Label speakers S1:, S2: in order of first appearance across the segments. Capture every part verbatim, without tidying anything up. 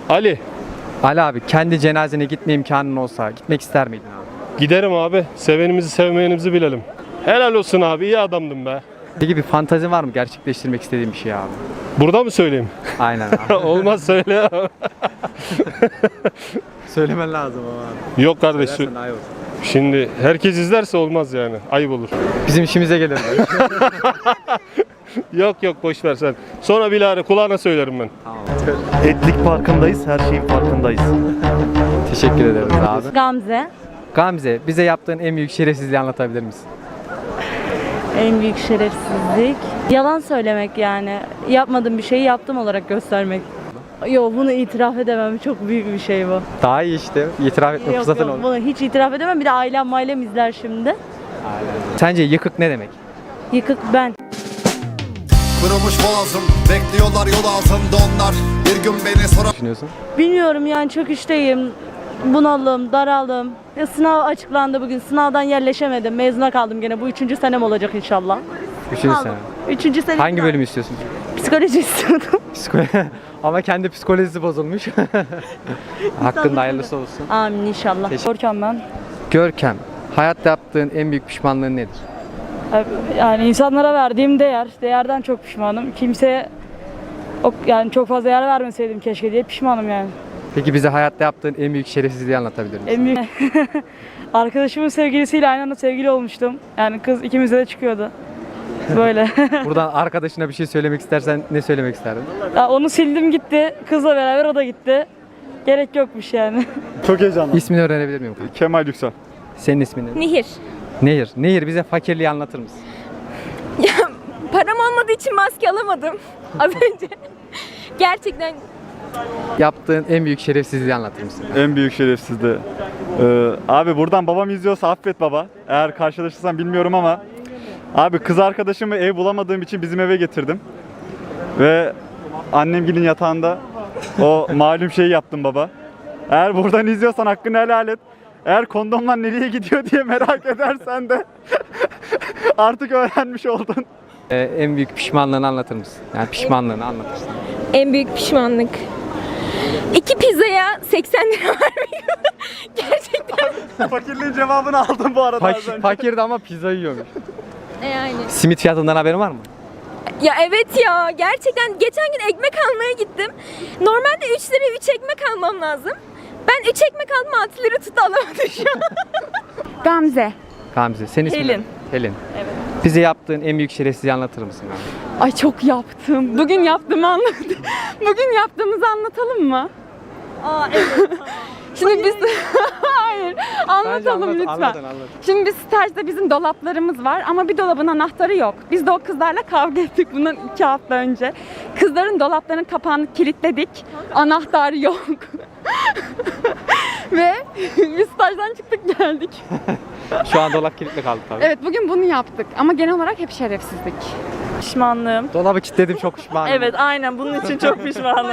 S1: Ali.
S2: Ali abi, kendi cenazene gitme imkanın olsa gitmek ister miydin abi?
S1: Giderim abi. Sevenimizi sevmeyenimizi bilelim. Helal olsun abi. İyi adamdın be.
S2: Peki bir fantazin var mı gerçekleştirmek istediğin bir şey abi?
S1: Burada mı söyleyeyim?
S2: Aynen abi.
S1: Olmaz söyle abi.
S2: Söylemen lazım ama abi.
S1: Yok kardeş.
S2: Söylersen daha iyi olur.
S1: Şimdi herkes izlerse olmaz yani. Ayıp olur.
S2: Bizim işimize gelir.
S1: Yok yok boş ver sen. Sonra bilahare kulağına söylerim ben.
S3: Etlik farkındayız, her şeyin farkındayız.
S2: Teşekkür ederiz abi.
S4: Gamze.
S2: Gamze, bize yaptığın en büyük şerefsizliği anlatabilir misin?
S4: En büyük şerefsizlik. Yalan söylemek yani. Yapmadığım bir şeyi yaptım olarak göstermek. Yok, bunu itiraf edemem. Çok büyük bir şey bu.
S2: Daha iyi işte. İtiraf etme
S4: Yok
S2: fırsatın
S4: yok,
S2: oldu.
S4: bunu hiç itiraf edemem. Bir de ailem mailem izler şimdi.
S2: Sence yıkık ne demek?
S4: Yıkık ben.
S5: Kırılmış boğazım, bekliyorlar yol altında onlar. Bir gün beni sorar.
S2: Düşünüyorsun?
S4: Bilmiyorum yani, çok işteyim. Bunalım, daraldım. Ya sınav açıklandı bugün. Sınavdan yerleşemedim. Mezuna kaldım gene. Bu üçüncü senem olacak inşallah.
S2: Üçüncü
S4: Kaldım.
S2: sene.
S4: Üçüncü sene.
S2: Hangi bölümü istiyorsun?
S4: Psikoloji istiyordum.
S2: Psikoloji. Ama kendi psikolojisi bozulmuş. Hakkında hayırlısı olsun.
S4: Amin inşallah.
S2: Teşekkür-
S4: Görkem ben.
S2: Görkem, hayatta yaptığın en büyük pişmanlığın nedir?
S6: Yani insanlara verdiğim değer, değerden çok pişmanım. Kimseye o, yani çok fazla değer vermeseydim keşke diye pişmanım yani.
S2: Peki bize hayatta yaptığın en büyük şerefsizliği anlatabilir misin?
S6: En büyük arkadaşımın sevgilisiyle aynı anda sevgili olmuştum. Yani kız ikimize de çıkıyordu. Böyle.
S2: Buradan arkadaşına bir şey söylemek istersen ne söylemek isterdin?
S6: Ya onu sildim gitti. Kızla beraber o da gitti. Gerek yokmuş yani.
S3: Çok heyecanlı.
S2: İsmini öğrenebilir miyim?
S3: Kemal Yüksel.
S2: Senin ismin ne?
S7: Nehir.
S2: Nehir. Nehir, bize fakirliği anlatır mısın?
S7: Ya param olmadığı için maske alamadım az önce. Gerçekten
S2: Yaptığın en büyük şerefsizliği anlatır mısın?
S3: En büyük şerefsizdi. Ee, abi buradan babam izliyorsa affet baba. Eğer karşılaşırsam bilmiyorum ama. Abi kız arkadaşımı ev bulamadığım için bizim eve getirdim. Ve annemgilin yatağında o malum şeyi yaptım baba. Eğer buradan izliyorsan hakkını helal et. Eğer kondomlar nereye gidiyor diye merak edersen de artık öğrenmiş oldun.
S2: Ee, en büyük pişmanlığını anlatır mısın? Yani pişmanlığını anlatırsın.
S7: en büyük pişmanlık. İki pizzaya seksen lira vermiyor. Gerçekten.
S3: Fakirliğin cevabını aldım bu arada. az
S2: Fakir,
S3: önce.
S2: fakirdi ama pizza yiyormuş.
S7: Yani.
S2: Simit fiyatından haberin var mı?
S7: Ya evet ya, gerçekten geçen gün ekmek almaya gittim. Normalde üç lira üç ekmek almam lazım. Ben üç ekmek aldım, altı lira tuttu, alamadım şu an.
S4: Gamze.
S2: Gamze, senin ismin
S4: Helin.
S2: ne? Helin. Evet. Bize yaptığın en büyük şerefsizliği anlatır mısın abi?
S6: Ay çok yaptım. Bugün yaptığımı anlat. Bugün yaptığımızı anlatalım mı?
S4: Aa evet.
S6: Şimdi biz hayır anlatalım
S2: anlat,
S6: lütfen.
S2: anlatın, anlatın.
S6: Şimdi biz stajda bizim dolaplarımız var ama bir dolabın anahtarı yok. Biz de o kızlarla kavga ettik bundan iki hafta önce. Kızların dolaplarının kapağını kilitledik. Anahtarı yok. Ve biz stajdan çıktık geldik.
S2: Şu an dolap kilitli kaldı tabii.
S6: Evet, bugün bunu yaptık ama genel olarak hep şerefsizlik.
S4: Pişmanlığım.
S2: Dolabı kilitledim, çok pişmanım.
S4: Evet aynen, bunun için çok pişmanım.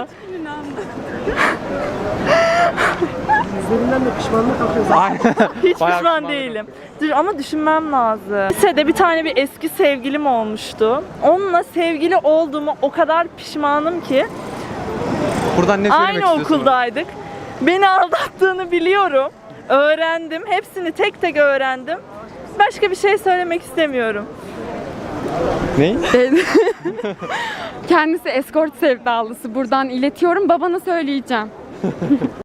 S4: Hiç
S2: Bayağı
S4: pişman
S2: pişman
S4: değilim. Dur, ama düşünmem lazım. Lisede bir tane bir eski sevgilim olmuştu. Onunla sevgili olduğumu o kadar pişmanım ki.
S2: Buradan ne söylemek
S4: Aynı
S2: istiyorsun?
S4: okuldaydık. Beni aldattığını biliyorum. Öğrendim. Hepsini tek tek öğrendim. Başka bir şey söylemek istemiyorum.
S2: Ne?
S6: Kendisi eskort sevdalısı. Buradan iletiyorum. Babana söyleyeceğim.